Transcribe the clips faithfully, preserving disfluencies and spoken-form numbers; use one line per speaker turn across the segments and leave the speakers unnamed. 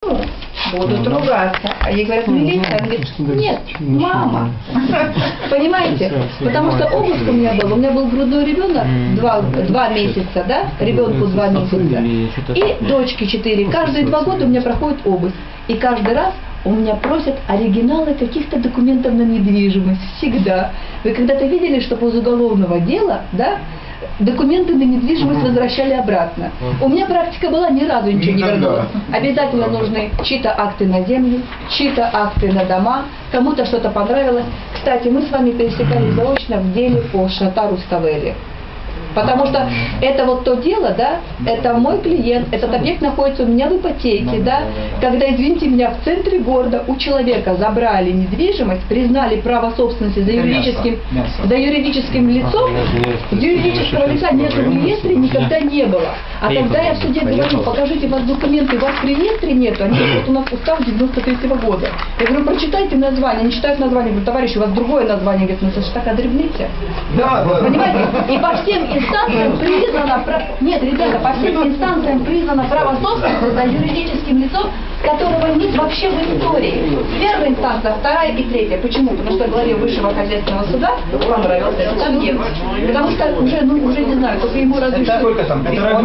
сторону, будут ругаться. А ей говорят, милиция, она говорит, нет, мама. Понимаете? Потому что обыск у меня был, у меня был грудной ребенок, два, два месяца, да, ребенку два месяца, и дочке четыре. Каждые два года у меня проходит обыск. И каждый раз у меня просят оригиналы каких-то документов на недвижимость. Всегда. Вы когда-то видели, что после уголовного дела, да, документы на недвижимость возвращали обратно? У меня практика была, ни разу ничего не вернулось. Обязательно нужны чьи-то акты на землю, чьи-то акты на дома, кому-то что-то понравилось. Кстати, мы с вами пересекались заочно в деле по Шатару Ставели. Потому что это вот то дело, да, это мой клиент, этот объект находится у меня в ипотеке, да, когда, извините меня, в центре города у человека забрали недвижимость, признали право собственности за юридическим, за юридическим лицом, юридического лица нет в реестре, никогда не было. А тогда я в суде говорю, покажите, у вас документы, у вас в реестре нету, они вот у нас устав девяносто третьего года. Я говорю, прочитайте название, они читают название, говорю, товарищ, у вас другое название, говорит, ну это же так одребните. Да, понимаете? И по всем инстанциям признано, нет, ребята, по всем инстанциям признано право собственности за юридическим лицом, которого нет вообще в истории. Первая инстанция, вторая и третья. Почему? Потому что главе Высшего хозяйственного суда понравился, там нет. Потому что уже, ну, уже не знаю, только ему разрешили.
Сколько там?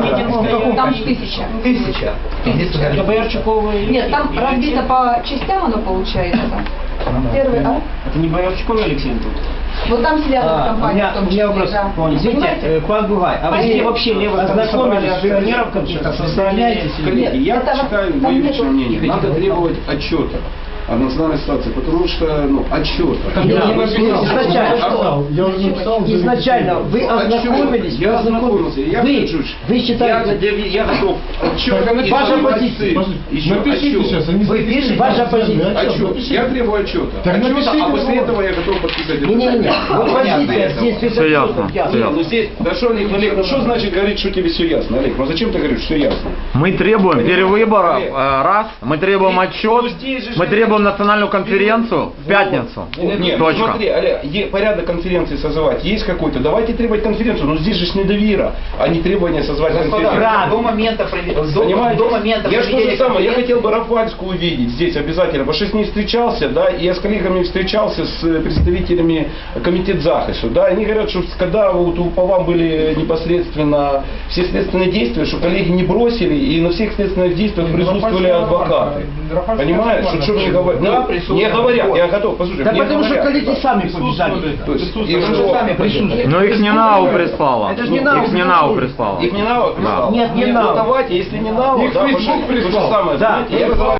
Там тысяча.
Тысяча.
Тысяча. Нет, там разбито по частям оно получается. Первый, а?
Это не Боярчуков Алексей?
Вот там сидят
А,
компании.
у меня, у меня вопрос.
Да.
Извините, э, пан Бугай, а
Если
вы
вообще левых
ознакомились с
акционеров каких-то
составляете?
Коллеги, я
Это
считаю,
там
мое
нету-
личное мнение, надо требовать отчета о национальной ситуации, потому что, ну, отчета.
Изначально,
Я уже написал.
изначально вы ознакомились,
Я ознакомился, я
вы,
хочу,
вы
я,
считаете,
я готов отчет.
Ваша позиция.
Еще
Напишите
отчет.
сейчас, они
Вы пишете, ваша позиция.
Отчет. Я требую отчета.
Так
Отчета,
напишите
а после
вот.
этого я готов подписать.
Не, не, не, вот позиция здесь
Все ясно.
Нет, ну здесь, хорошо, Олег, Олег, ну что значит говорить, что тебе все ясно, Олег? Ну зачем ты говоришь, что ясно?
Мы требуем перевыборов,
Олег.
э, раз, мы требуем отчет,
Ну, здесь же
мы
же-
требуем национальную конференцию в пятницу.
Нет,
Точка.
смотри, Олег, е- порядок конференции созывать есть какой-то, давайте требовать конференцию, но здесь же ж недовера, а не требование созвать конференцию.
до момента проведения.
Понимаете?
До момента
я что же
проведения
самое, я
конференции.
хотел бы Рафальскую увидеть здесь обязательно, потому что с ней встречался, да, и я с коллегами встречался, с представителями комитета захисту, да, они говорят, что когда вот у- по вам были непосредственно все следственные действия, что коллеги не бросили, и на всех следственных действиях присутствовали адвокаты. Понимаешь, что, что мне говорят?
Да,
Ну, не говорят, я готов, послушай,
Да
мне
потому что
говорят.
коллеги сами побежали.
То есть, и
Потому
что?
что сами присутствуют.
Но их не НАУ прислала.
Это ж не
Их
НАУ
не НАУ прислала.
Их не НАУ прислал?
Нет, не
Ну,
НАУ.
давайте, если не НАУ,
Их
да,
Facebook
пошли, то же
прислал.
самое,
Да,
знаете, я
я
вызываю